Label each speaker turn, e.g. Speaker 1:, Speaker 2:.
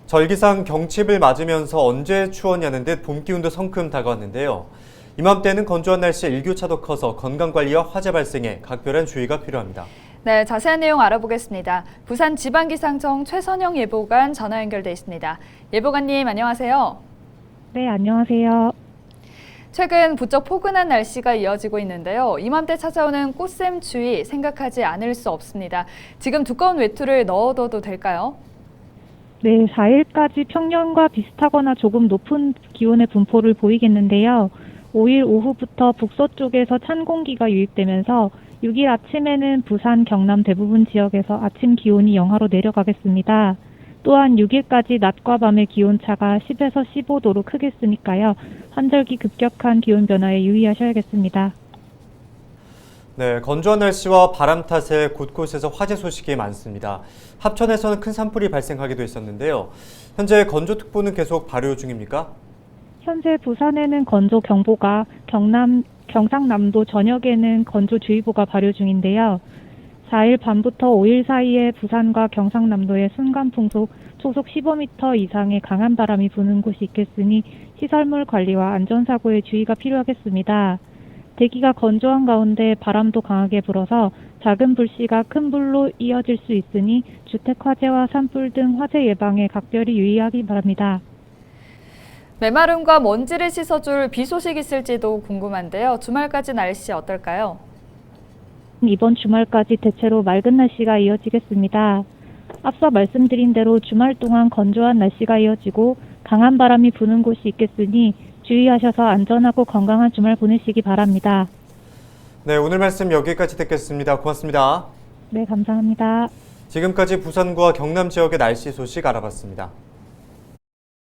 Speaker 1: 절기상 경칩을 맞으면서 언제 추웠냐는 듯 봄 기운도 성큼 다가왔는데요. 이맘때는 건조한 날씨에 일교차도 커서 건강관리와 화재 발생에 각별한 주의가 필요합니다.
Speaker 2: 네, 자세한 내용 알아보겠습니다. 부산지방기상청 최선영 예보관 전화 연결돼 있습니다. 예보관님 안녕하세요.
Speaker 3: 네, 안녕하세요.
Speaker 2: 최근 부쩍 포근한 날씨가 이어지고 있는데요. 이맘때 찾아오는 꽃샘추위 생각하지 않을 수 없습니다. 지금 두꺼운 외투를 넣어둬도 될까요?
Speaker 3: 네, 4일까지 평년과 비슷하거나 조금 높은 기온의 분포를 보이겠는데요. 5일 오후부터 북서쪽에서 찬 공기가 유입되면서 6일 아침에는 부산, 경남 대부분 지역에서 아침 기온이 영하로 내려가겠습니다. 또한 6일까지 낮과 밤의 기온차가 10에서 15도로 크겠으니까요. 환절기 급격한 기온 변화에 유의하셔야겠습니다.
Speaker 1: 네, 건조한 날씨와 바람 탓에 곳곳에서 화재 소식이 많습니다. 합천에서는 큰 산불이 발생하기도 했었는데요. 현재 건조특보는 계속 발효 중입니까?
Speaker 3: 현재 부산에는 건조경보가, 경상남도 전역에는 건조주의보가 발효 중인데요. 4일 밤부터 5일 사이에 부산과 경상남도에 순간풍속 초속 15m 이상의 강한 바람이 부는 곳이 있겠으니 시설물 관리와 안전사고에 주의가 필요하겠습니다. 대기가 건조한 가운데 바람도 강하게 불어서 작은 불씨가 큰 불로 이어질 수 있으니 주택 화재와 산불 등 화재 예방에 각별히 유의하기 바랍니다.
Speaker 2: 메마름과 먼지를 씻어줄 비 소식 있을지도 궁금한데요. 주말까지 날씨 어떨까요?
Speaker 3: 이번 주말까지 대체로 맑은 날씨가 이어지겠습니다. 앞서 말씀드린 대로 주말 동안 건조한 날씨가 이어지고 강한 바람이 부는 곳이 있겠으니 주의하셔서 안전하고 건강한 주말 보내시기 바랍니다.
Speaker 1: 네, 오늘 말씀 여기까지 듣겠습니다. 고맙습니다.
Speaker 3: 네, 감사합니다.
Speaker 1: 지금까지 부산과 경남 지역의 날씨 소식 알아봤습니다.